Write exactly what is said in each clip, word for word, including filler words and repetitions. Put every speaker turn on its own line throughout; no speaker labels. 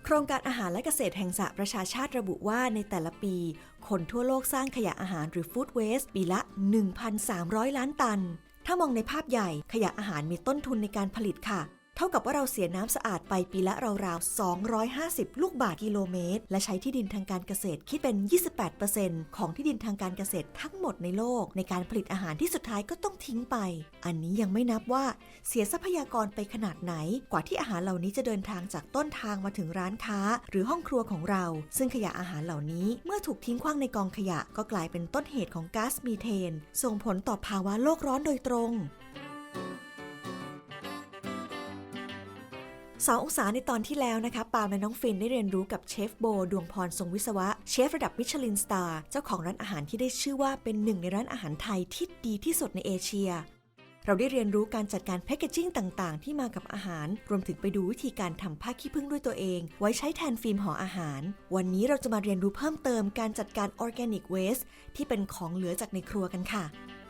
โครงการอาหารและเกษตรแห่งสหประชาชาติระบุว่าในแต่ละปีคนทั่วโลกสร้างขยะอาหารหรือ Food Waste ปีละ หนึ่งพันสามร้อย ล้านตันถ้ามองในภาพใหญ่ขยะอาหารมีต้นทุนในการผลิตค่ะเท่ากับว่าเราเสียน้ำสะอาดไปปีละราวๆสองร้อยห้าสิบลูกบาศก์กิโลเมตรและใช้ที่ดินทางการเกษตรคิดเป็น ยี่สิบแปดเปอร์เซ็นต์ ของที่ดินทางการเกษตรทั้งหมดในโลกในการผลิตอาหารที่สุดท้ายก็ต้องทิ้งไปอันนี้ยังไม่นับว่าเสียทรัพยากรไปขนาดไหนกว่าที่อาหารเหล่านี้จะเดินทางจากต้นทางมาถึงร้านค้าหรือห้องครัวของเราซึ่งขยะอาหารเหล่านี้เมื่อถูกทิ้งขว้างในกองขยะก็กลายเป็นต้นเหตุของก๊าซมีเทนส่งผลต่อภาวะโลกร้อนโดยตรงสององศาในตอนที่แล้วนะคะปาล์มและน้องฟินได้เรียนรู้กับเชฟโบดวงพรทรงวิศวะเชฟระดับมิชลินสตาร์เจ้าของร้านอาหารที่ได้ชื่อว่าเป็นหนึ่งในร้านอาหารไทยที่ดีที่สุดในเอเชียเราได้เรียนรู้การจัดการแพคเกจจิ้งต่างๆที่มากับอาหารรวมถึงไปดูวิธีการทำผ้าขี้ผึ้งด้วยตัวเองไว้ใช้แทนฟิล์มห่ออาหารวันนี้เราจะมาเรียนรู้เพิ่มเติมการจัดการออร์แกนิกเวสต์ที่เป็นของเหลือจากในครัวกันค่ะ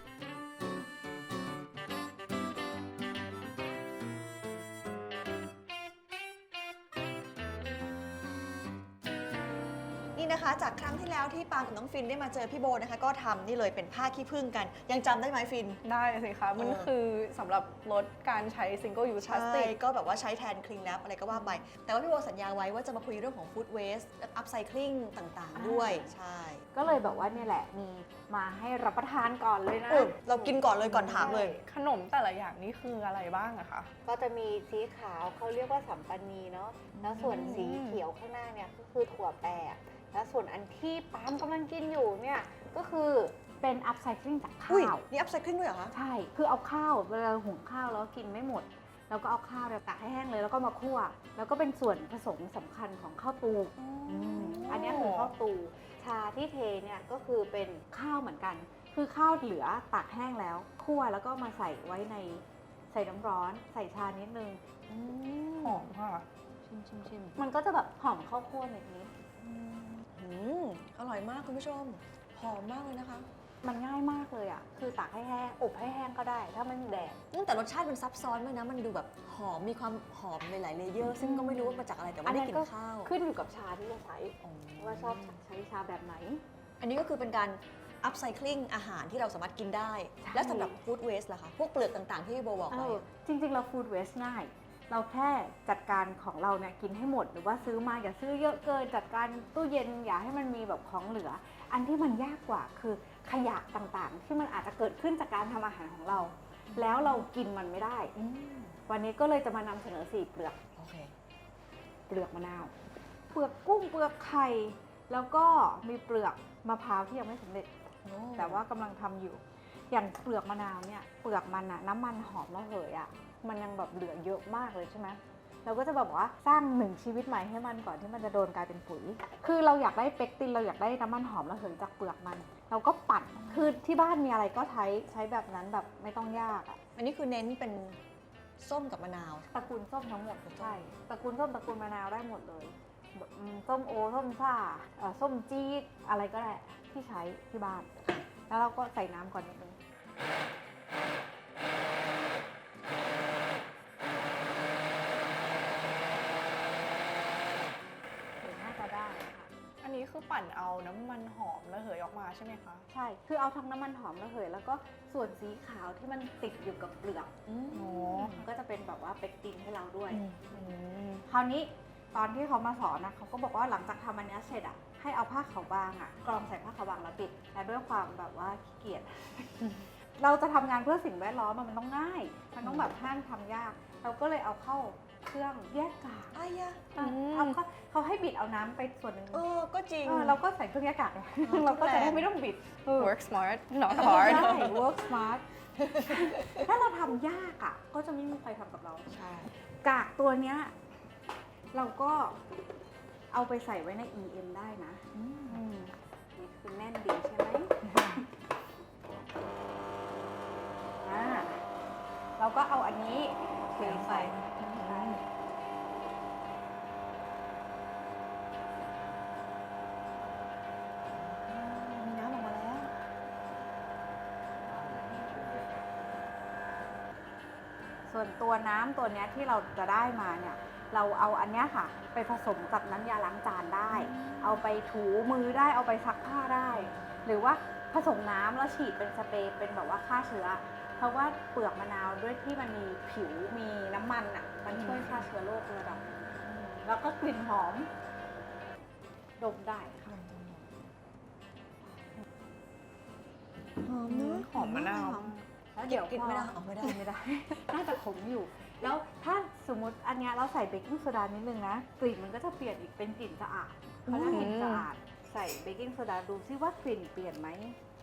นี่นะคะจากครั้งที่แล้วที่ปาล์มกับน้องฟินได้มาเจอพี่โบนะคะก็ทำนี่เลยเป็นผ้าขี้ผึ้งกันยังจำได้ไหมฟิน
ได้สิคะมันคือสำหรับลดการใช้ single use plastic
ก็แบบว่าใช้แทน clean wrap อะไรก็ว่าไปแต่ว่าพี่โบสัญญาไว้ว่าจะมาคุยเรื่องของ food waste upcycling ต่างๆด้วยใช่
ก็เลยแบบว่าเนี่ยแหละมีมาให้รับประทานก่อนเลยนะ
เรากินก่อนเลยก่อนถามเลย
ขนมแต่ละอย่างนี่คืออะไรบ้างอะคะ
ก็จะมีสีขาวเขาเรียกว่าสัมปันนีเนาะแล้วส่วนสีเขียวข้างหน้าเนี่ยก็คือถั่วแปบแล้วส่วนอันที่ปาล์มกำลังกินอยู่เนี่ยก็คือเป็นอัพไซคลิงจากข้าว
นี่อัพไซคลิงด้วยเหรอคะ
ใช่คือเอาข้าวเวลาหุงข้าวแล้วกินไม่หมดแล้วก็เอาข้าวเนี่ยตากให้แห้งเลยแล้วก็มาคั่วแล้วก็เป็นส่วนผสมสำคัญของข้าวตูอันนี้คือข้าวตูชาที่เทเนี่ยก็คือเป็นข้าวเหมือนกันคือข้าวเหลือตากแห้งแล้วคั่วแล้วก็มาใส่ไว้ในใส่น้ำร้อนใส่ชานิดนึง
หอมค่ะ
ชิมชิมชิมมันก็จะแบบหอมข้าวคั่วนิดนิด
อร่อยมากคุณผู้ชมหอมมากเลยนะคะ
มันง่ายมากเลยอ่ะคือตากให้แห้งอบให้แห้งก็ได้ถ้าไม่มีแดด
แต่รสชาติมันซับซ้อนมากนะมันดูแบบหอมมีความหอมในหลายเลเยอร์ซึ่งก็ไม่รู้ว่ามาจากอะไรแต่ว่าได้กลิ่นข้าว
ขึ้นอยู่กับชาที่เราใช้ว่าชอบใช้ชาแบบไหน
อันนี้ก็คือเป็นการอัพไซคลิงอาหารที่เราสามารถกินได้และสำหรับฟู้ดเวสต์ล่ะคะพวกเปลือกต่างๆที่พี่โบบอกไป
จริงๆเราฟู้ดเวสต์ง่ายเราแค่จัดการของเราเนี่ยกินให้หมดหรือว่าซื้อมาอย่าซื้อเยอะเกินจัดการตู้เย็นอย่าให้มันมีแบบของเหลืออันที่มันยากกว่าคือขยะต่างๆที่มันอาจจะเกิดขึ้นจากการทำอาหารของเราแล้วเรากินมันไม่ได้วันนี้ก็เลยจะมานำเสนอสี่เปลือกเปลือกมะนาวเปลือกกุ้งเปลือกไข่แล้วก็มีเปลือกมะพร้าวที่ยังไม่สำเร็จแต่ว่ากำลังทำอยู่อย่างเปลือกมะนาวเนี่ยเปลือกมันอะน้ำมันหอมระเหยอะมันยังแบบเหลือเยอะมากเลยใช่ไหมเราก็จะแบบว่าสร้างหนึ่งชีวิตใหม่ให้มันก่อนที่มันจะโดนกลายเป็นปุ๋ยคือเราอยากได้เปกตินเราอยากได้น้ำมันหอมระเหยจากเปลือกมันเราก็ปั่นคือที่บ้านมีอะไรก็ใช้ใช้แบบนั้นแบบไม่ต้องยากอ่ะ
อันนี้คือเน้นเป็นส้มกับมะนาว
ตระกูลส้มทั้งหมดใช่ตระกูลส้มตระกูลมะนาวได้หมดเลยส้มโอส้มซ่าส้มจี๊ดอะไรก็ได้ที่ใช้ที่บ้านแล้วเราก็ใส่น้ำก่อนนิดนึง
อันนี้คือปั่นเอาน้ำมันหอมระเหยออกมาใช่ไหมคะ
ใช่คือเอาทั้งน้ำมันหอมระเหยแล้วก็ส่วนสีขาวที่มันติดอยู่กับเปลือกอ๋อก็จะเป็นแบบว่าเปกตินให้เราด้วยคราวนี้ตอนที่เขามาสอนนะเขาก็บอกว่าหลังจากทำอันนี้เสร็จอ่ะให้เอาผ้าขาวบางอ่ะกรองใส่ผ้าขาวบางแล้วปิดแต่ด้วยความแบบว่าขี้เกียจเราจะทำงานเพื่อสิ่งแวดล้อมมันต้องง่ายมันต้องแบบห้ามทำยากเราก็เลยเอาเข้าเครื่องแยกกาก
อ้ยะ
เอาเขาเขาให้บิดเอาน้ำไปส่วนหนึ่ง
เออก็จริง
เราก็ใส่เครื่องแยกกากเราก็จะได้ไม่ต้องบิด
work smart not hard
ใช่ work smart ถ้าเราทำยากอ่ะก็จะไม่มีใครทำกับเราใช่กากตัวเนี้ยเราก็เอาไปใส่ไว้ใน อี เอ็ม ได้นะนี่คือแน่นดีใช่ไหมเราก็เอาอันนี้เทใส่
มีน้ำออกมาแล้ว
ส่วนตัวน้ำตัวนี้ที่เราจะได้มาเนี่ยเราเอาอันเนี้ยค่ะ ไปผสมกับน้ำยาล้างจานได้ เอาไปถูมือได้เอาไปซักผ้าได้ หรือว่าผสมน้ำแล้วฉีดเป็นสเปรย์เป็นแบบว่าฆ่าเชื้อ เพราะว่าเปลือกมะนาวด้วยที่มันมีผิวมีน้ำมันอ่ะมันช่วยฆ่าเชื้อโรคระดับหนึ่งแล้วก็กลิ่นหอมดมได้ค่ะ
หอมเนอะ
หอมมะนาว
แล้วเดี๋ยว
กิน
พอ
ไม่ได้ออกไม่ได้
ไม่ได้ น่าจะขมอยู่ แล้วถ้าสมมติอันเนี้ยเราใส่เบกกิ้งโซดานิดนึงนะกลิ่นมันก็จะเปลี่ยนอีกเป็นกลิ่นสะอาดเพราะถ้ากลิ่นสะอาดใส่เบกกิ้งโซดาดูซิว่ากลิ่นเปลี่ยนไหม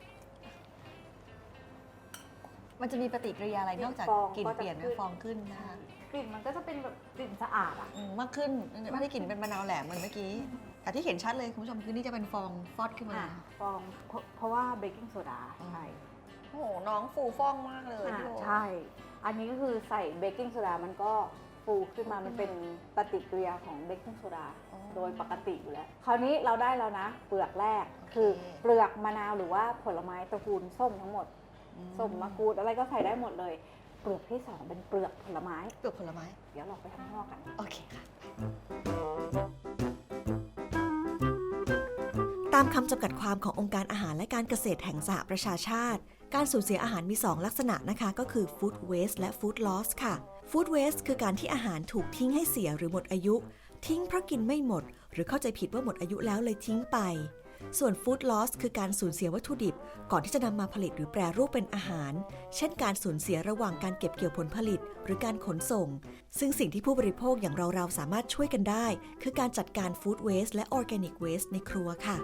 มันจะมีปฏิกิริยาอะไรนอกจาก
ฟอง
กลิ่น
ก็จะ
เปลี่ยน
ขึ้น
ฟองขึ้นนะคะ
กลิ่นมันก็จะเป็นแบบกลิ่นสะอาดอ่ะ
อืมมากขึ้นไม่ได้กลิ่นเป็นมะนาวแหลมเหมือนเมื่อกี้ แต่ที่เห็นชัดเลยคุณผู้ชมคือนี่จะเป็นฟองฟอดขึ้นมา
อ่ะฟองเพราะเพราะว่าเบกกิ้งโซดาใช่
โอ้โหน้องฟูฟ่องมากเลย
อ่ะ
พี่โบ
ใช่ อันนี้ก็คือใส่เบกกิ้งโซดามันก็ฟูขึ้นมามันเป็นปฏิกิริยาของเบกกิ้งโซดาโดยปกติอยู่แล้ว คราวนี้เราได้แล้วนะ เปลือกแรกคือเปลือกมะนาวหรือว่าผลไม้ตระกูลส้มทั้งหมด ส้มมะกรูดอะไรก็ใส่ได้หมดเลย เปลือกที่สองเป็นเปลือกผลไม้
เปลือกผลไม้
เดี๋ยวเราไปข้างนอกกัน
โอเคค่ะ
ตามคำจำกัดความขององค์การอาหารและการเกษตรแห่งสหประชาชาติ การสูญเสียอาหารมี สอง ลักษณะนะคะ ก็คือ food waste และ food loss ค่ะ food waste คือการที่อาหารถูกทิ้งให้เสียหรือหมดอายุ ทิ้งเพราะกินไม่หมด หรือเข้าใจผิดว่าหมดอายุแล้วเลยทิ้งไป ส่วน food loss คือการสูญเสียวัตถุดิบ ก่อนที่จะนำมาผลิตหรือแปรรูปเป็นอาหาร เช่นการสูญเสียระหว่างการเก็บเกี่ยวผลผลิต หรือการขนส่ง ซึ่งสิ่งที่ผู้บริโภคอย่างเราๆสามารถช่วยกันได้ คือการจัดการ food waste และ organic waste ในครัวค่ะ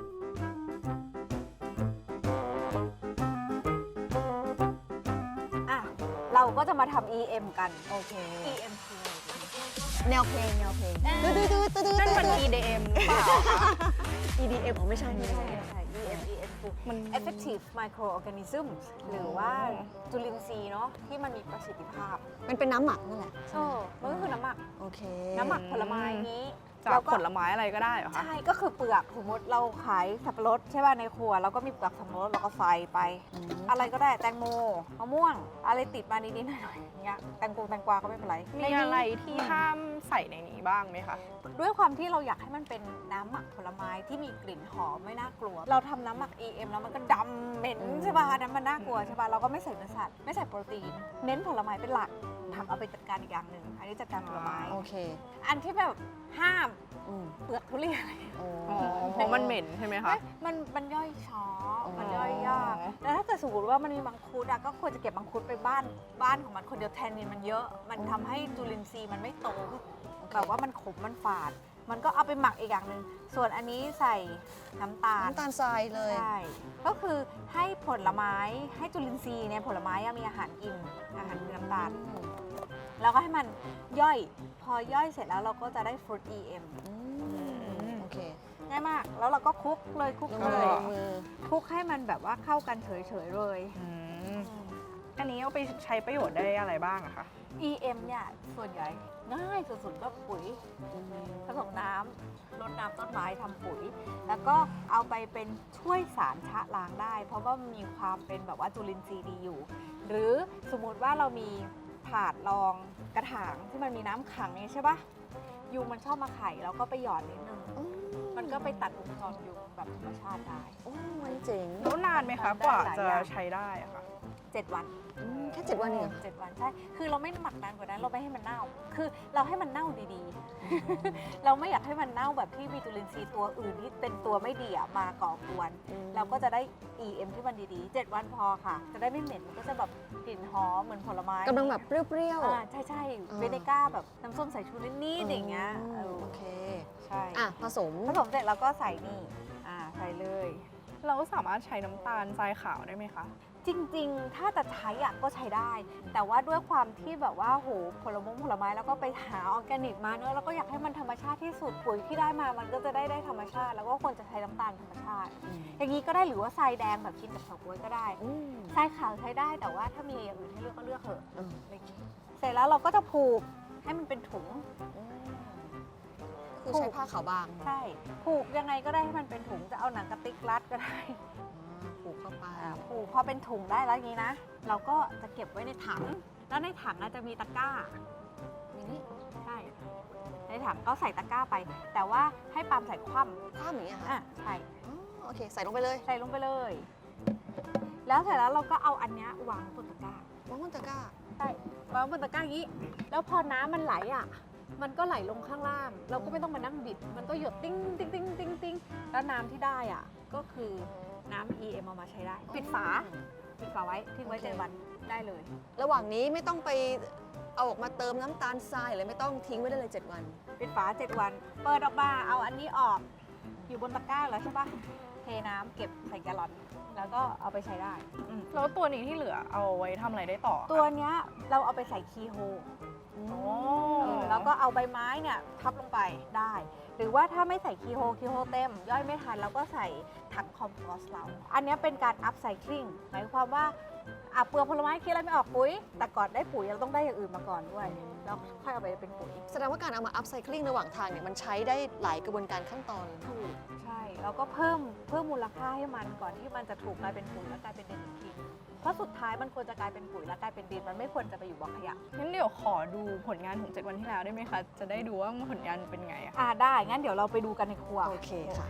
อ่ะ เราก็จะมาทำ อี เอ็ม กัน
โอเค
อี เอ็ม คือ
แนวเพลงแนวเพลงตื้อตื้อตื้อตื้อ
นั่นมัน
ตื้อ
อี ดี เอ็ม เปล่าคะ
อี ดี เอ็ม อ๋อไม่ใช่
ไม่
ไม่
ใช่
ใช่
ไม่ใช่ อี เอ็ม อี เอ็ม คือ
มัน
effective microorganisms หรือว่าจุลินทรีย์เนาะที่มันมีประสิทธิภาพ
มันเป็นน้ำหมักนั่นแหละ
เออมันก็คือน้ำหมัก
โอเค
น้ำหมักผลไม้นี้
จาก
แล้วก็
ผลไม้อะไรก็ได้เหรอคะ
ใช่ ก็คือเปลือกสมมติเราขายสับปะรดใช่ป่ะในครัวเราก็มีเปลือกสับปะรดเราก็ใส่ไป
อืม
อะไรก็ได้แตงโมมะม่วง อะไรติดมานิดๆหน่อยๆอย่างเงี้ยแตงกวงแตงกวาก็ไม่เป็นไร
มีอะไรที่ห้ามใส่ในนี้บ้างไหมคะ
ด้วยความที่เราอยากให้มันเป็นน้ำหมักผลไม้ที่มีกลิ่นหอมไม่น่ากลัว เราทำน้ำหมัก อี เอ็ม แล้วมันก็ดำเหม็นใช่ป่ะนั้นมันน่ากลัวใช่ป่ะเราก็ไม่ใส่เนื้อสัตว์ไม่ใส่โปรตีน เน้นผลไม้เป็นหลักผักเอาไปจัดการอีกอย่างหนึ่งอันนี้จัดการผลไม้
โอเค
อันที่แบบห้าม
อืม
เปลือกทุเรียน
โอ้
อ๋อ เพราะมันเหม็นใช่ไหมคะ
มันมันย่อยช้อ
อ๋อ
มันย่อยยากแต่ถ้าเกิดสมมติว่ามันมีมังคุดอะก็ควรจะเก็บมังคุดไปบ้านบ้านของมันคนเดียวแทนนินมันเยอะ มันทำให้จุลินทรีย์มันไม่โตแบบว่ามันขมมันฝาด มันก็เอาไปหมักอีกอย่างหนึ่งส่วนอันนี้ใส่น้ำตาล
น้ำตาลทรายเลย
ใช่ ก็คือให้ผลไม้ให้จุลินทรีย์เนี่ยผลไม้อะมีอาหารกินอาหารคือน้ำตาล แล้วก็ให้มันย่อย พอย่อยเสร็จแล้วเราก็จะได้ฟรุต อี เอ็ม
อืมโอเค
ง่ายมาก แล้วเราก็คลุกเลยคลุก
ลง
เล
มือย ลงมือ
คลุกให้มันแบบว่าเข้ากันเฉยๆเลย
อืม อันนี้เอาไปใช้ประโยชน์ได้อะไรบ้างอะคะ
อี เอ็ม เนี่ยส่วนใหญ่ง่ายสุดๆก็ปุ๋ยผสมน้ำรดน้ำต้นไม้ทำปุ๋ย แล้วก็เอาไปเป็นช่วยสารชะล้างได้ เพราะว่ามันมีความเป็นแบบว่าจุลินทรีย์ดีอยู่ หรือสมมุติว่าเรามีถาดรองกระถางที่มันมีน้ำขังนี้ใช่ปะยุงมันชอบมาไข่แล้วก็ไปหยอดนิดนึง มันก็ไปตัดวงจรยุงแบบธรรมชาติได้
โอ้มันเจ๋ง
แล้วนานไหมคะ
ได้
กว่า
หลาย
จะ
อย่าง
ใช้ได้อะค่ะ
เจ็ดวัน
อืมแค่เจ็ดวันเองเหรอ
เจ็ดวันใช่ คือเราไม่หมักนานกว่านั้น เราไม่ให้มันเน่า คือเราให้มันเน่าดีๆ เราไม่อยากให้มันเน่าแบบที่มีจุลินทรีย์ตัวอื่นที่เป็นตัวไม่ดีอะมาก่อกวน เราก็จะได้ อี เอ็ม ที่มันดีๆเจ็ดวันพอค่ะ จะได้ไม่เหม็น มันก็จะแบบกลิ่นหอมเหมือนผลไม้
กำลังแบบเปรี้ยว
อ่าใช่ใช่เวเนก้าแบบน้ำส้มสายชูนิดๆอย่างเงี้ยเออ
โอเค
ใช่
อ่ะ ผสม
ผสมเสร็จแล้วก็ใส่นี่ อ่า ใส่เลย
เราสามารถใช้น้ำตาลทรายขาวได้ไหมคะ
จริงๆ ถ้าจะใช้อะก็ใช้ได้ แต่ว่าด้วยความที่แบบว่าโหผลมงผลไม้แล้วก็ไปหาออร์แกนิกมาเนอะแล้วก็อยากให้มันธรรมชาติที่สุดปุ๋ยที่ได้มามันก็จะได้ได้ธรรมชาติ แล้วก็ควรจะใช้น้ำตาลธรรมชาติ อย่างนี้ก็ได้หรือว่าทรายแดงแบบกินกับเฉาก๊วยก็ได้
อืม
ทรายขาวใช้ได้แต่ว่าถ้ามีอย่างอื่นให้เลือกก็เลือกเถอะ
อืม
อะไรอย่างงี้เสร็จแล้วเราก็จะผูกให้มันเป็นถุง
คือใช้ผ้าขาวบาง
ใช่ ผูกยังไงก็ได้ให้มันเป็นถุงจะเอาหนังกระติกรัดก็ได้
อ่าผูกเข้าไป
อ่าผูกพอเป็นถุงได้แล้วอย่างนี้นะ เราก็จะเก็บไว้ในถัง แล้วในถังอาจจะมีตะกร้า
มินิ
ใช่ช่ในถังก็ใส่ตะกร้าไป แต่ว่าให้ปาล์มใส่คว่
คว่ำอย่างเงี้ย
ำ
ค่ะ
อ่ะใช่
อ๋อโอเค ใส่ลงไปเลย
ใส่ลงไปเลย แล้วเสร็จแล้วเราก็เอาอันเนี้ยวางบนตะกร้า
วางบนตะกร้า
ใช่วางบนตะกร้าอย่างนี้ แล้วพอน้ำมันไหลอ่ะ มันก็ไหลลงข้างล่าง เราก็ไม่ต้องมานั่งบิด มันก็หยดติ้งติ้งติ้งติ้งติ้งแล้วน้ำที่ได้อ่ะ ก็คือน้ำ อี เอ็ม เอามาใช้ได้ ปิดฝา ปิดฝาไว้ ทิ้งไว้
โอเค
เจ็ดวันได้เลย
ระหว่างนี้ไม่ต้องไปเอาออกมาเติมน้ำตาลทรายเลยไม่ต้องทิ้งไว้ได้เลยเจ็ดวัน
ปิดฝาเจ็ดวัน เปิดออกมา เอาอันนี้ออก อยู่บนตะกร้าแล้วใช่ปะเทน้ำเก็บใส่แกลลอน แล้วก็เอาไปใช้ได้อืม
แล้วตัวนี้ที่เหลือเอาไว้ทำอะไรได้ต่อคะ
ตัวเนี้ยเราเอาไปใส่คีย์โฮ
โอ้
เออแล้วก็เอาใบไม้เนี่ยทับลงไปได้ หรือว่าถ้าไม่ใส่คีย์โฮคีย์โฮเต็ม ย่อยไม่ทันเราก็ใส่ถังคอมโพสต์เรา อันเนี้ยเป็นการอัพไซคลิงหมายความว่าอ่ะเปลือกผลไม้คิดอะไรไม่ออกปุ๋ย แต่ก่อนได้ปุ๋ยเราต้องได้อย่างอื่นมาก่อนด้วย แล้วค่อยเอาไปเป็นปุ๋ย
แสดงว่าการเอามาอัพไซคลิงระหว่างทางเนี่ยมันใช้ได้หลายกระบวนการขั้นตอน
ถูกใช่แล้วก็เพิ่มเพิ่มมูลค่าให้มันก่อนที่มันจะถูกกลายเป็นปุ๋ยแล้วกลายเป็นดินอีกทีเพราะสุดท้ายมันควรจะกลายเป็นปุ๋ยแล้วกลายเป็นดินมันไม่ควรจะไปอยู่บ่อขยะ
งั้นเดี๋ยวขอดูผลงานของเจ็ดวันที่แล้วได้ไหมคะ จะได้ดูว่าผลงานเป็นไงอะ
อ่าได้งั้นเดี๋ยวเราไปดูกันในครัว
โอเคค่ะ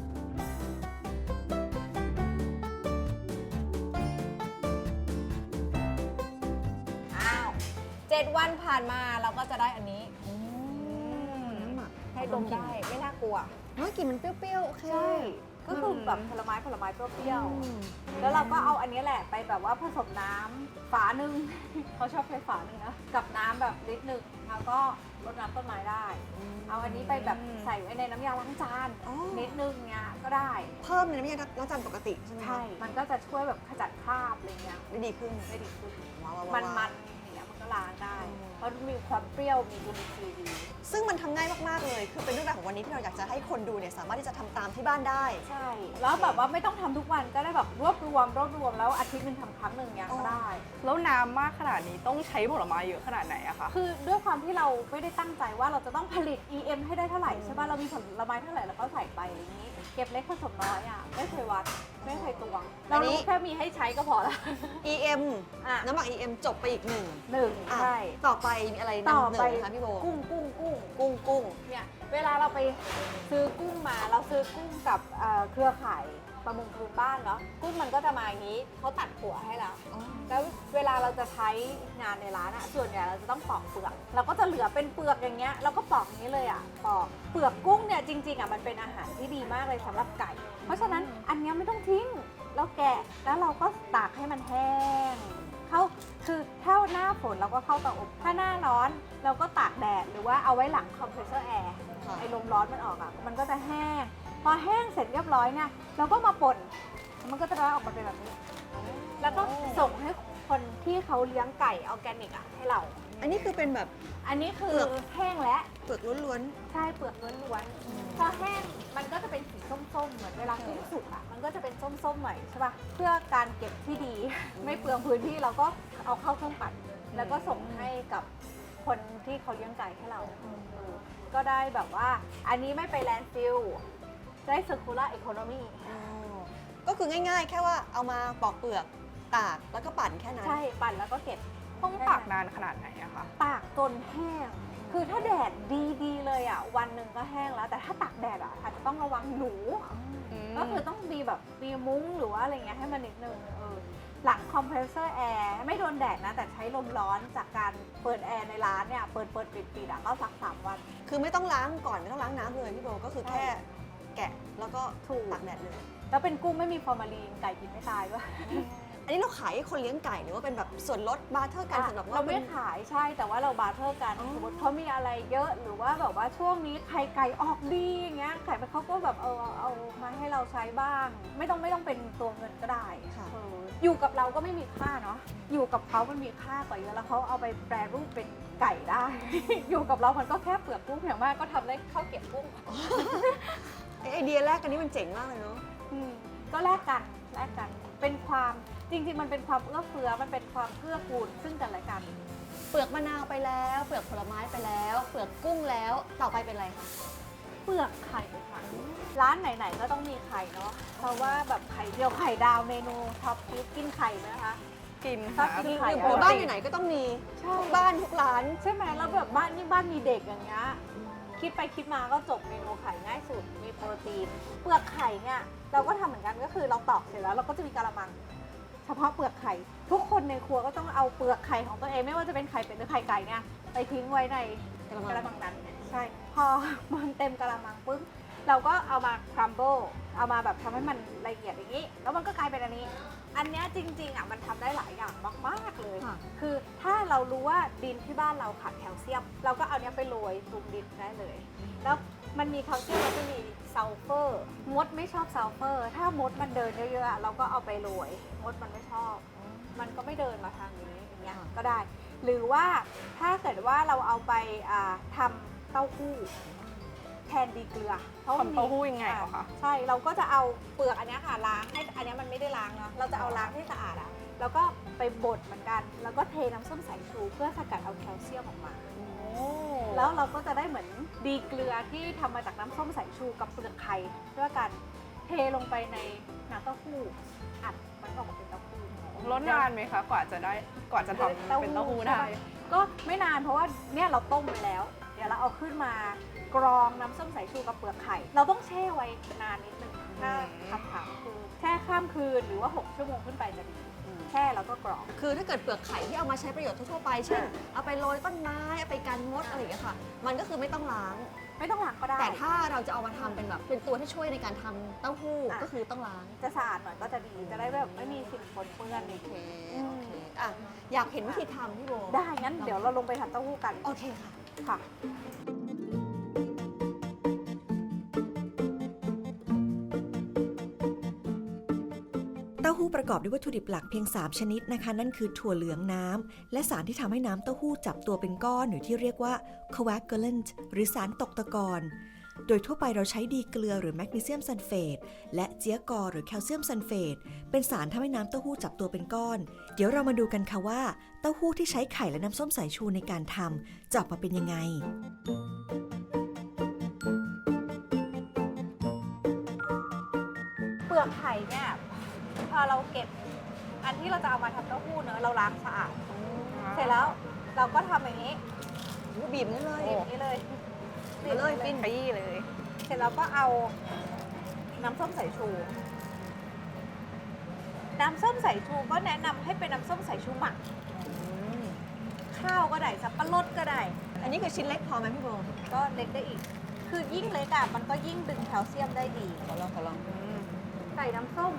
อ้าวเจ็ดวันผ่านมาเราก็จะได้อันนี้
น้ำหมัก
ให้ดมได้ไม่น่ากลัว
เฮ้ยกลิ่นมันเปรี้ยวๆ โอเค
ใช่ ก็คือแบบผลไม้ผลไม้เปรี้ยว
อืม
ๆแล้วเราก็เอาอันนี้แหละไปแบบว่าผสมน้ำฝาหนึ่ง เขาชอบใช้ฝาหนึ่งนะกับน้ำแบบลิตรหนึ่งแล้วก็รดน้ำต้นไม้ได้ เอาอันนี้ไปแบบใส่ไว้ในน้ำยาล้างจาน
อ๋อ
นิดนึงเงี้ยก็ได้
เพิ่มในน้ำยาล้างจานปกติใช่ไหมคะ
ใช่ มันก็จะช่วยแบบขจัดคราบอะไรเงี้ย
ได้ดีขึ้น
ได้ดีขึ้น
ว้าวๆๆ
มันมันๆอย่างเงี้ยมันก็ล้างได้
อืม
เพราะมีความเปรี้ยวมีจุลินทรีย์ดี
ซึ่งมันทำง่ายมาก ๆ เลย คือเป็นเรื่องราวของวันนี้ที่เราอยากจะให้คนดูเนี่ยสามารถที่จะทำตามที่บ้านได้
ใช่ แล้วแบบว่าไม่ต้องทำทุกวันก็ได้แบบรวบรวมรวบรวมแล้วอาทิตย์หนึ่งทำครั้งหนึ่งเนี้ยก็ได้
แล้วน้ำมากขนาดนี้ต้องใช้ผลไม้เยอะขนาดไหนอะคะ
คือด้วยความที่เราไม่ได้ตั้งใจว่าเราจะต้องผลิต อี เอ็ม ให้ได้เท่าไหร่ใช่ป่ะ เรามีผลไม้เท่าไหร่เราก็ใส่ไปอะไรอย่างนี้ เก็บเล็กผสมน้อยอ่ะ ไม่เคยวัด ไม่เคยตวง
อั
เรา
นนี้
รู้แค่มีให้ใช้ก็พอละ
อี เอ็ม
อ่ะ
น้ำหมัก อี เอ็ม จบไปอีกหนึ่ง
หนึ่ง
อ่ะ
ใช่
ต่อไปมีอะไร
ต่อน
ำห
ไป
นึ่งนะคะพี่โบ
กุ้งกุ้งกุ้ง
กุ้งกุ้ง
เนี่ยเวลาเราไปซื้อกุ้งมาเราซื้อกุ้งกับเอ่อเครือข่ายประมงพื้นบ้านเนาะกุ้งมันก็จะมาอย่างนี้เขาตัดหัวให้แล้ว
อ๋อ
แล้วเวลาเราจะใช้งานในร้านอะส่วนใหญ่เราจะต้องปอกเปลือกเราก็จะเหลือเป็นเปลือกอย่างเงี้ยเราก็ปอกอย่างนี้เลยอะปอกเปลือกกุ้งเนี่ยจริงๆอะมันเป็นอาหารที่ดีมากเลยสำหรับไก่ เพราะฉะนั้นอันเนี้ยไม่ต้องทิ้งเราแกะแล้วเราก็ตากให้มันแห้งเข้าคือถ้าหน้าฝนเราก็เข้าเตาอบถ้าหน้าร้อนเราก็ตากแดดหรือว่าเอาไว้หลังคอมเพรสเซอร์แอร์
ค่ะ
ไอ้ลมร้อนมันออกอะมันก็จะแห้ง พอแห้งเสร็จเรียบร้อยเนี่ยเราก็มาป่นมันก็จะได้ออกมาเป็นแบบนี้ แล้วก็ส่งให้คนที่เขาเลี้ยงไก่ออร์แกนิกอะให้เรา
อันนี้คือเป็นแบบ
อันนี้คือ
เปลือก
แห้งแล้ว
เปลือกล้วน
ใช่เปลือกล้วนๆพอแห้งมันก็จะเป็นสีส้มๆ เหมือนเวลากุ้งสุกอะมันก็จะเป็นส้มๆหน่อยใช่ป่ะ เพื่อการเก็บที่ดี ไม่เปลืองพื้นที่เราก็เอาเข้าเครื่องปั่น แล้วก็ส่งให้กับคนที่เขาเลี้ยงไก่ให้เราเออก็ได้แบบว่า อันนี้ไม่ไปแลนด์ฟิลได้ circular economy
ๆอ๋อก็คือง่ายๆ แค่ว่าเอามาปอกเปลือกตากแล้วก็ปั่นแค่นั้น
ใช่ปั่นแล้วก็เก็บ
ต้องตากนานขนาดไหนอะคะ
ตากจนแห้ง คือถ้าแดดดีๆเลยอ่ะ วันหนึ่งก็แห้งแล้ว แต่ถ้าตากแดดอ่ะอาจจะต้องระวังหนู ก็คือต้องมีแบบมีมุ้งหรือว่าอะไรเงี้ยให้มันนิดนึงเออหลังคอมเพรสเซอร์แอร์ไม่โดนแดดนะ แต่ใช้ลมร้อนจากการเปิดแอร์ในร้านเนี่ย เปิดเปิดปิดปิดอ่ะก็สักสามวัน
คือไม่ต้องล้างก่อนไม่ต้องล้างน้ำเลยพี่โบก็คือแค่แกะแล้วก็
ถูก
ตากแดดเลย
แล้วเป็นกุ้งไม่มีฟอร์มาลีนไก่กินไม่ตายด้วย
อันนี้เราขายให้คนเลี้ยงไก่หรือว่าเป็นแบบส่วนลดบาร์เทอร์กันสำหรับว่า
เราไม่
เป็น
ขายใช่แต่ว่าเราบาร์เทอร์กัน
อ๋อ
สมมติเขามีอะไรเยอะหรือว่าแบบว่าช่วงนี้ไข่ไก่ออกดีอย่างเงี้ยไข่มันเขาก็แบบเออเอามาให้เราใช้บ้าง ไม่ต้องไม่ต้องเป็นตัวเงินก็ได้
ค่ะ
เอออยู่กับเราก็ไม่มีค่าเนาะอยู่กับเขามันมีค่ากว่าเยอะแล้วเขาเอาไปแปรรูปเป็นไก่ได้ อยู่กับเรามันก็แค่เปลือกกุ้งอย่างมากก็ทำได้ข้าวเก็บกุ้ง
ไอไอเดียแรกอันนี้มันเจ๋งมากเลยเนาะ
อืมก็แลกกันแลกกันเป็นความจริงๆมันเป็นความเอื้อเฟื้อมันเป็นความเกื้อกูลซึ่งกันและกัน
เปลือกมะนาวไปแล้ว เปลือกผลไม้ไปแล้ว เปลือกกุ้งแล้วต่อไปเป็นอะไรคะ
เปลือกไข่ค่ะร้านไหนๆก็ต้องมีไข่เนาะเพราะว่าแบบไข่เจียวไข่ดาวเมนูท็อปฟิสกินไข่ไหมคะ
กิน
ชอบ
ค่ะ
กิน
ห
ไข่
รือบ้านอยู่ไหนก็ต้องมี
ใช่
ทุกบ้านทุกร้าน
ใช่ไหมแล้วแบบบ้านนี่บ้านมีเด็กอย่างเงี้ยคิดไปคิดมาก็จบเมนูไข่ง่ายสุดมีโปรตีน เปลือกไข่เนี่ยเราก็ทำเหมือนกันก็คือเราตอกเสร็จแล้วเราก็จะมีกะละมัง เฉพาะเปลือกไข่ ทุกคนในครัวก็ต้องเอาเปลือกไข่ของตัวเองไม่ว่าจะเป็นไข่เป็ดหรือไข่ไก่เนี่ยไปทิ้งไว้ใน
กะละมัง
กะละมังนั้นใช่พอมันเต็มกะละมังปุ๊บเราก็เอามาครัมเบิลเอามาแบบทำให้มันละเอียดอย่างนี้ แล้วมันก็กลายเป็นอันนี้ อันเนี้ยจริงๆอ่ะมันทำได้หลายอย่างมากๆเลย
ค่ะ
คือถ้าเรารู้ว่าดินที่บ้านเราขาดแคลเซียม เราก็เอาเนี้ยไปโรยปรุงดินได้เลย แล้วมันมีแคลเซียมแล้วก็มีซัลเฟอร์มดไม่ชอบซัลเฟอร์ ถ้ามดมันเดินเยอะๆอะเราก็เอาไปโรยมดมันไม่ชอบ มันก็ไม่เดินมาทางนี้อย่างเงี้ยก็ได้ หรือว่าถ้าเกิดว่าเราเอาไปอ่าทำเต้าหู้แทนดีเกลือพระมัน
ทำ
มี
เต้าหู้ยังไงเหรอคะ
ใช่เราก็จะเอาเปลือกอันเนี้ยค่ะล้างให้อันเนี้ยมันไม่ได้ล้างเนาะเราจะเอาล้างให้สะอาดอะแล้วก็ไปบดเหมือนกัน แล้วก็เทน้ำส้มสายชูเพื่อสกัดเอาแคลเซียมออกมา แล้วเราก็จะได้เหมือนดีเกลือที่ทำมาจากน้ำส้มสายชูกับเปลือกไข่ด้วยกันเทลงไปในน้ำเต้าหู้อัดมันออกมาเป็นเต้าหู้
ลดนานไหมคะ กว่าจะได้กว่าจะทำเป็นเต้าหู้ได้
ก็ไม่นานเพราะว่าเนี่ยเราต้มไปแล้ว เดี๋ยวเราเอาขึ้นมากรองน้ำส้มสายชูกับเปลือกไข่ เราต้องแช่ไว้นานนิดนึงถ้า
อืม
คำถามคือแช่ข้ามคืนหรือว่าหกชั่วโมงขึ้นไปจะดีแช่แล้วก็กรอง
คือถ้าเกิดเปลือกไข่ที่เอามาใช้ประโยชน์ทั่วๆไป เช่น เอาไปโรยต้นไม้ เอาไปกันมดอะไรอย่างเงี้ยค่ะ มันก็คือไม่ต้องล้าง
ไม่ต้องล้างก็ได้
แต่ถ้าเราจะเอามาทำเป็นแบบเป็นตัวที่ช่วยในการทำเต้าหู้
อ่ะ
ก็คือต้องล้าง
จะสะอาดหน่อยก็จะดีจะได้แบบไม่มีสิ่งปนเปื้อนใน
โอเค
อืม
โอเคอ่ะอยากเห็นวิธีทำพี่โบ
ได้งั้นเดี๋ยวเราลงไปทำเต้าหู้กัน
โอเคค่ะ
ค่ะ
เต้าหู้ประกอบด้วยวัตถุดิบหลักเพียง สาม ชนิดนะคะ นั่นคือถั่วเหลืองน้ำและสารที่ทำให้น้ำเต้าหู้จับตัวเป็นก้อนหรือที่เรียกว่า coagulant หรือสารตกตะกอนโดยทั่วไปเราใช้ดีเกลือหรือแมกนีเซียมซัลเฟตและเจียกอหรือแคลเซียมซัลเฟตเป็นสารทำให้น้ำเต้าหู้จับตัวเป็นก้อน เดี๋ยวเรามาดูกันค่ะว่าเต้าหู้ที่ใช้ไข่และน้ำส้มสายชูในการทำจะออกมาเป็นยังไง
เปลือกไข่เนี่ยพอเราเก็บอันที่เราจะเอามาทำเต้าหู้เนอะเราล้างสะอาด เสร็จแล้วเราก็ทำอย่างนี้
บีบนั่นเลย
บีบอย่างนี้เลย
บีบเลย
บี
ปิ้
บ
น
ขยี้เลย
เสร็จแล้วก็เอาน้ำส้มสายชู น้ำส้มสายชูก็แนะนำให้เป็นน้ำส้มสายชูหมัก ข้าวก็ได้สับปะรดก็ได้
อันนี้คือชิ้นเล็กพอไหมพี่โบ
ก็เล็กได้อีก คือยิ่งเล็กอะมันก็ยิ่งดึงแคลเซียมได้ดี
ขอลองขอลอง
ใส่น้ำส้ม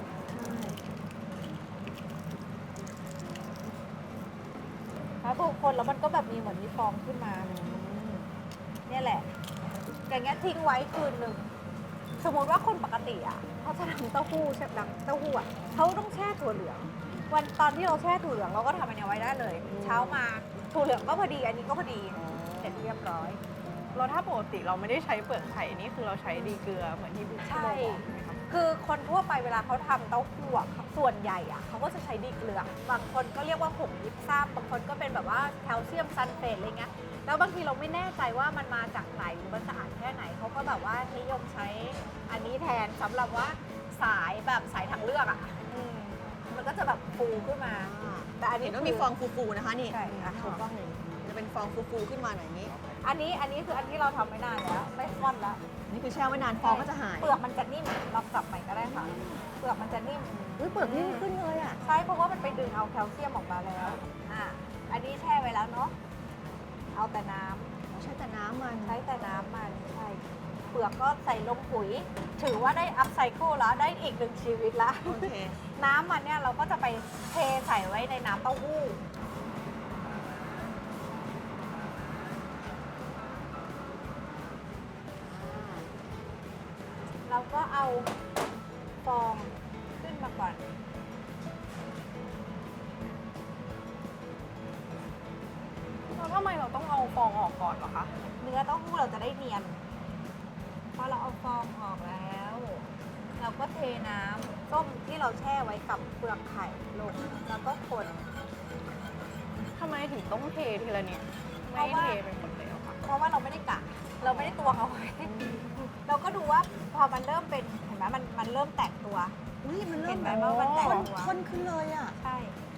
แล้วทุกคนแล้วมันก็แบบมีเหมือนมีฟองขึ้นมา เนี่ยแหละ อย่างเงี้ยทิ้งไว้คืนหนึ่ง สมมติว่าคนปกติอ่ะเขาจะทำเต้าหู้ใช่ไหมเต้าหู้อ่ะเขาต้องแช่ถั่วเหลือง วันตอนที่เราแช่ถั่วเหลืองเราก็ทำอันเนี้ยไว้ได้เลย เช้ามาถั่วเหลืองก็พอดี อันนี้ก็พอดี เสร็จเรียบร้อย
เราถ้าปกติเราไม่ได้ใช้เปลือกไข่นี่คือเราใช้ดีเกลือเหมือนที่พี่โบ
ใช่
บอกไหมคะ
คือคนทั่วไปเวลาเขาทำเต้าหู้อะส่วนใหญ่อะเขาก็จะใช้ดีเกลือ บางคนก็เรียกว่าผงยิบซ้ำบางคนก็เป็นแบบว่าแคลเซียมซัลเฟตอะไรเงี้ย แล้วบางทีเราไม่แน่ใจว่ามันมาจากไหนหรือมันสะอาดแค่ไหนเขาก็แบบว่านิยมใช้อันนี้แทนสำหรับว่าสายแบบสายทางเลือกอะอืมมันก็จะแบบฟูขึ้นมา แต่อันนี้
เห็นว่ามีฟองฟูๆนะคะนี่
ใช่อ่ะถูกต้อง
จะเป็นฟองฟูๆขึ้นมาหน่อยนี้
อันนี้อันนี้คืออันที่เราทำไม่นานแล้วไม่ฟ่อนแล้ว
นี่คือแช่ไว้นานฟองก็จะหาย
เปลือกมันจะนิ่มเรากลับใหม่ก็ได้ค่ะ เปลือกมันจะนิ่ม
อุ้ยเปลือกนิ่มขึ้นเลยอ่ะ
ใช่เพราะว่ามันไปดึงเอาแคลเซียมออกมาแล้ว อ่ะ อันนี้แช่ไว้แล้วเนาะ เอาแต่น้ำ
ใช้แต่น้ำมัน
ใช้แต่น้ำมันใช่ เปลือกก็ใส่ลงปุ๋ย ถือว่าได้อัพไซเคิลแล้ว ได้อีกหนึ่งชีวิตละ
โอเค
น้ำมันเนี่ยเราก็จะไปเทใส่ไว้ในน้ำเต้าหู้ เราก็เอาฟองขึ้นมาก่อน
แล้วทำไมเราต้องเอาฟองออกก่อนเหรอคะ
เนื้อเต้าหู้เราจะได้เนียน พอเราเอาฟองออกแล้ว เราก็เทน้ำส้มที่เราแช่ไว้กับเปลือกไข่ลง แล้วก็คน
ทำไมถึงต้องเททีละนิด
เพ
ไม่
ราะว่า
เทเป็นหมดเลยเหรอคะ
เพราะว่าเราไม่ได้กะ เราไม่ได้ตวงเอาไว้ เราก็ดูว่าพอมันเริ่มเป็น เห็นไหมมันมันเริ่มแตกตัว
อุ้ยมัน
เห็
เริ่ม
นไหม
แบบ
ว่ามันแตก
ข้น
ตัว
ข้นขึ้นเลยอ่ะ
ใช่ ข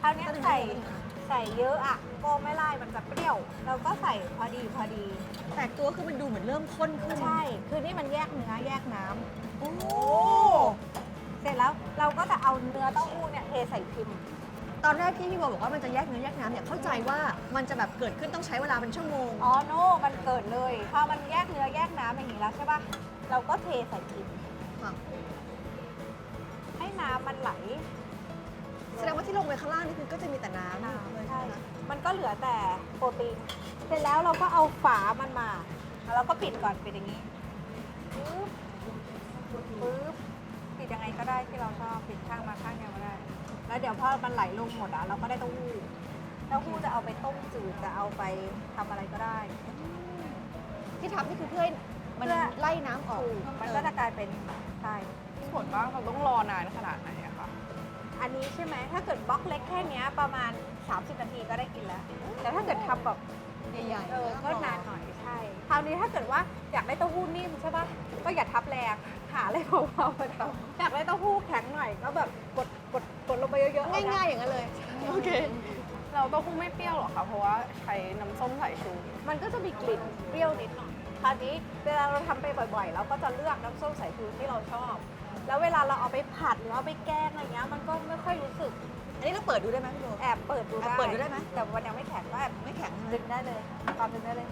ราวเนี้ยใส่ใส่เยอะอ่ะก็ไม่ไล่มันจะเปรี้ยว เราก็ใส่พอดีพอดี
แตกตัวคือมันดูเหมือนเริ่มข้นขึ้น
ใช่ คือนี่มันแยกเนื้อแยกน้ำ
โอ้
เสร็จแล้วเราก็จะเอาเนื้อเต้าหู้เนี่ยเทใส่พิมพ์
ตอนแรกที่พี่โบบอกว่ามันจะแยกเนื้อแยกน้ำเนี่ยเข้าใจว่ามันจะแบบเกิดขึ้นต้องใช้เวลาเป็นชั่วโมง
อ๋อโน่มันเกิดเลย พอมันแยกเนื้อแยกน้ำอย่างนี้แล้วใช่ปะเราก็เทใส่พิมพ์
ค่ะ
ให้น้ำมันไหล
แสดงว่าที่ลงไปข้างล่างนี่คือก็จะมีแต่น้ำ
น้ำ
เลย
ใช่
ใช่ไหม
มันก็เหลือแต่โปรตีน เสร็จแล้วเราก็เอาฝามันมา แล้วเราก็ปิดก่อนปิดอย่างนี้ปึ๊บปึ๊บปิดยังไงก็ได้ที่เราชอบปิดข้างมาข้างเดียวก็ได้ แล้วเดี๋ยวพอมันไหลลงหมดอ่ะเราก็ได้เต้าหู้เต้าหู้จะเอาไปต้มจืดจะเอาไปทำอะไรก็ได้
ที่ทำนี่คือเพื่อให้มัน
เพื่อ
ไล่น้ำออก
ถูกมันก็จะกลายเป็นใช่
ผลว่าเราต้องรอนานขนาดไหนอะคะ
อันนี้ใช่ไหมถ้าเกิดบล็อกเล็กแค่เนี้ยประมาณ สามสิบ นาทีก็ได้กินแล้ว แต่ถ้าเกิดทำแบบ
ใหญ่ๆ
เออก็นานหน่อยใช่ คราวนี้ถ้าเกิดว่าอยากได้เต้าหู้นิ่มใช่ป่ะ ก็อย่าทับแรงหาอะไรเบาๆมาทำอยากได้เต้าหู้แข็งหน่อยก็แบบกดกดกดลงไปเยอะๆ
ง่ายๆอย่างนั้นเลย
โอเค เราเต้าหู้ไม่เปรี้ยวหรอคะ เพราะว่าใช้น้ำส้มสายชู
มันก็จะมีกลิ่นเปรี้ยวนิดหน่อย คราวนี้เวลาเราทำไปบ่อยๆ เราก็จะเลือกน้ำส้มสายชูที่เราชอบ แล้วเวลาเราเอาไปผัดหรือเอาไปแกงอะไรเงี้ยมันก็ไม่ค่อยรู้สึก
อันนี้เราเปิดดูได้ไหมพี่โบ
แอบเปิดดู
แอบ
ได้
เปิดดูได้ไหม
แต่วันยังไม่แข็งก็แอบ
ไม่แข็ง
ดึงได้เลยความดึงได้เลย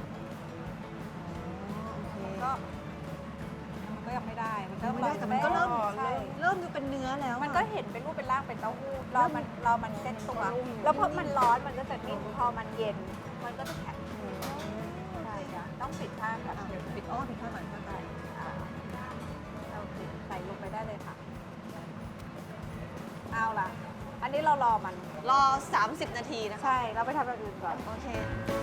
ก็มันก็ยังไม่ได้ มันก็
ไม่ได้แต่มันก็เริ่ม
ใช่
เริ่มดูเป็นเนื้อแล้วอะ
มันก็เห็นเป็นรูปเป็นร่างเป็นเต้าหู้เรามันเรามันเซ็ตตัว แล้วพอมันร้อนมันก็จะนิ่มพอมันเย็น มันก็จะแข็งใช่จ้ะต้องปิดข้างแบบ
อ่ะ
เดี๋ยว
ปิดอ้อปิดข้างหน่อยข้างใต้
อ่าโอเคใส่ลงไปได้เลยค่ะ เอาล่ะ อันนี้เรารอมัน
รอ สามสิบ นาทีนะคะ
ใช่ เราไปทำอย่างอื่นก่อน
โอเค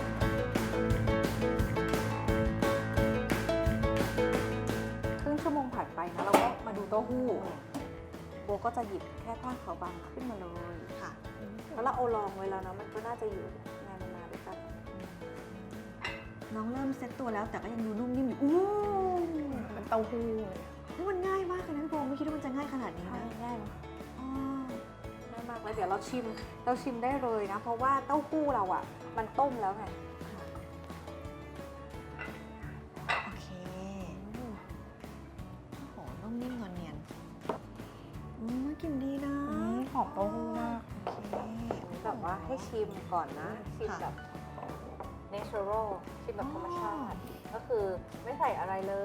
ครึ่งชั่วโมงผ่านไปนะเราก็มาดูเต้าหู้โบก็จะหยิบแค่ผ้าขาวบางขึ้นมาเลย
ค่ะ
แล้วเราเอารองไว้แล้วนะมันก็น่าจะอยู่นานๆด้วยกัน
น้องเริ่มเซ็ตตัวแล้วแต่ก็ยังดูนุ่มนิ่มอยู่อู้
เป็นเต้าหู้เลย
นี่มันง่ายมากเลยนะพี่โบไม่คิดว่ามันจะง่ายขนาดนี้
ใช่
นะ
ง่ายเนอะ
อ๋อ
ง่ายมากแล้วเดี๋ยวเราชิมเราชิมได้เลยนะ เพราะว่าเต้าหู้เราอ่ะ มันต้มแล้วไง
โอเคโอ้โหนุ่มนิ่มนวลเนียนอืมกลิ่นดีนะ
อืมหอมเต้าหู้มาก
โอเค
แบบว่าให้ชิมก่อนนะ ชิม
ค่ะ
แบบ natural ชิมแบบธรรมชาติ ก็คือไม่ใส่อะไรเลย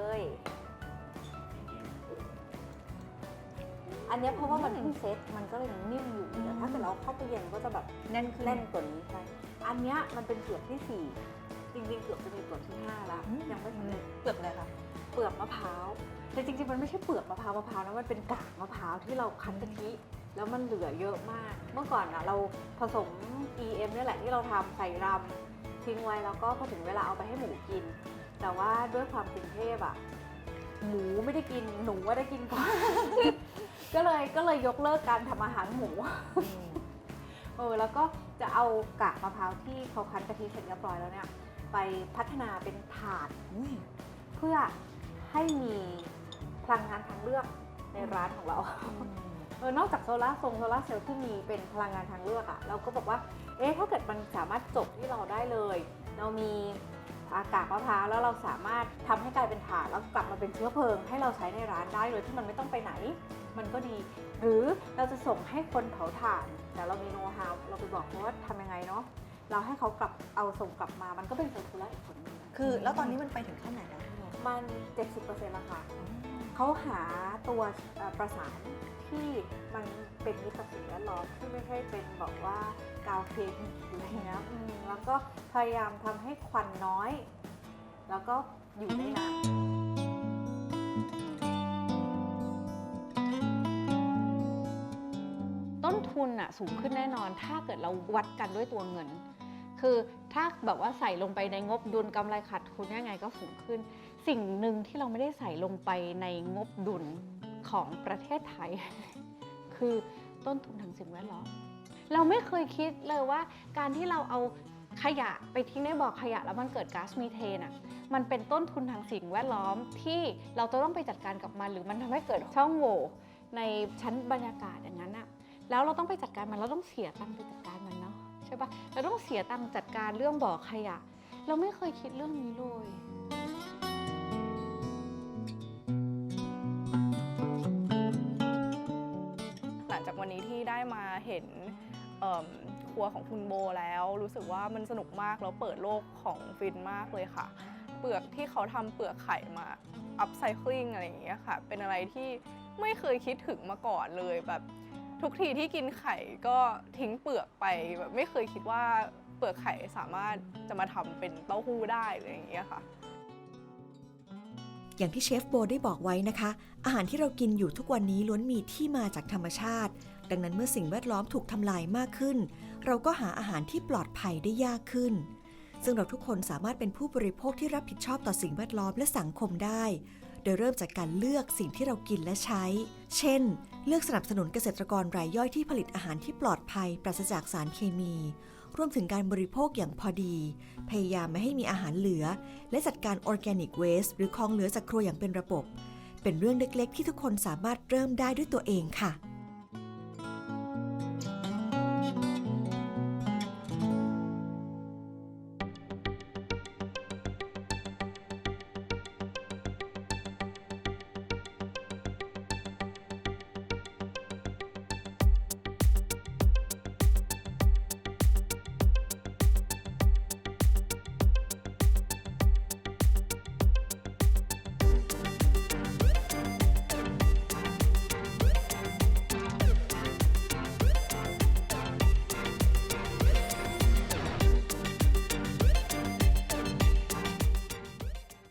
อันเนี้ยเพราะว่ามันเพิ่งเซ็ตมันก็เลยนิ่มอยู่แต่ถ้าเกิดเราเข้าตู้เย็นก็จะแบบ
แน่นขึ้น
แน่นกว่านี้ใช่ อันเนี้ยมันเป็นเปลือกที่สี่จริงๆเกือบจะมีเปลือกที่ห้าแล้ว
อืม
ยังไม่สำเร็จ
เปลือกอะไรคะ
เปลือกมะพร้าวแต่จริงๆมันไม่ใช่เปลือกมะพร้าวมะพร้าวนะมันเป็นกากมะพร้าวที่เราคั้นกะทิแล้วมันเหลือเยอะมาก เมื่อก่อนอะเราผสม อี เอ็ม เนี่ยแหละที่เราทำใส่รำทิ้งไว้แล้วก็พอถึงเวลาเอาไปให้หมูกิน แต่ว่าด้วยความกรุงเทพอะหมูไม่ได้กินหนูว่าได้กินก่อน ก็เลยก็เลยยกเลิกการทำอาหารหมู เออแล้วก็จะเอากากมะพร้าวที่เขาคั้นกะทิเสร็จเรียบร้อยแล้วเนี่ยไปพัฒนาเป็นถาด
อุ้ย
เพื่อให้มีพลังงานทางเลือกในร้านของเรา เออนอกจากโซลาร์ทรงโซลาร์เซลล์ที่มีเป็นพลังงานทางเลือกอะเราก็บอกว่าเอ๊ะถ้าเกิดมันสามารถจบที่เราได้เลย เรามีอากาศมะพร้าวแล้วเราสามารถทำให้กลายเป็นถ่านแล้วกลับมาเป็นเชื้อเพลิงให้เราใช้ในร้านได้โดยที่มันไม่ต้องไปไหน มันก็ดี หรือเราจะส่งให้คนเผาถ่านแต่เรามีโน้ตฮาวเราไปบอกเขาว่าทำยังไงเนาะเราให้เขากลับเอาส่งกลับมามันก็เป็นเซอร์คูลาร์อีกผลหนึง
คือแล้วตอนนี้มันไปถึงขั้นไหนแล้วพี่โบ
มัน เจ็ดสิบเปอร์เซ็นต์ แล้วค่ะ เขาหาตัวเอ่อประสานที่มันเป็นมิตรกับสิ่งแวดล้อมที่ไม่ใช่เป็นบอกว่ากาวเคมีอะไรเงี้ยอืมแล้วก็พยายามทำให้ควันน้อย แล้วก็อยู่ได้นานต้นทุนอะสูงขึ้นแน่นอนถ้าเกิดเราวัดกันด้วยตัวเงิน คือถ้าแบบว่าใส่ลงไปในงบดุลกำไรขาดทุนยังไงก็สูงขึ้น สิ่งหนึ่งที่เราไม่ได้ใส่ลงไปในงบดุลของประเทศไทย คือต้นทุนทางสิ่งแวดล้อมเราไม่เคยคิดเลยว่าการที่เราเอาขยะไปทิ้งในบ่อขยะแล้วมันเกิดก๊าซมีเทนอ่ะมันเป็นต้นทุนทางสิ่งแวดล้อมที่เราจะต้องไปจัดการกับมันหรือมันทำให้เกิดช่องโหว่ในชั้นบรรยากาศอย่างนั้นอ่ะแล้วเราต้องไปจัดการมันเราต้องเสียตังค์ไปจัดการมันใช่ปะเราต้องเสียตังค์จัดการเรื่องบ่อขยะ เราไม่เคยคิดเรื่องนี้เลย
หลังจากวันนี้ที่ได้มาเห็นเอิ่มครัวของคุณโบแล้วรู้สึกว่ามันสนุกมากแล้วเปิดโลกของฟินมากเลยค่ะ เปลือกที่เขาทำเปลือกไข่มาอัพไซคลิงอะไรอย่างเงี้ยค่ะเป็นอะไรที่ไม่เคยคิดถึงมาก่อนเลยแบบทุกทีที่กินไข่ก็ทิ้งเปลือกไปแบบไม่เคยคิดว่าเปลือกไข่สามารถจะมาทำเป็นเต้าหู้ได้อะไรอย่างเงี้ยค่ะ
อย่างที่เชฟโบได้บอกไว้นะคะ อาหารที่เรากินอยู่ทุกวันนี้ล้วนมีที่มาจากธรรมชาติ ดังนั้นเมื่อสิ่งแวดล้อมถูกทำลายมากขึ้น เราก็หาอาหารที่ปลอดภัยได้ยากขึ้น ซึ่งเราทุกคนสามารถเป็นผู้บริโภคที่รับผิดชอบต่อสิ่งแวดล้อมและสังคมได้ โดยเริ่มจากการเลือกสิ่งที่เรากินและใช้ เช่น เลือกสนับสนุนเกษตรกรรายย่อยที่ผลิตอาหารที่ปลอดภัยปราศจากสารเคมี รวมถึงการบริโภคอย่างพอดี พยายามไม่ให้มีอาหารเหลือ และจัดการ Organic Waste หรือของเหลือจากครัวอย่างเป็นระบบ เป็นเรื่องเล็กๆที่ทุกคนสามารถเริ่มได้ด้วยตัวเองค่ะ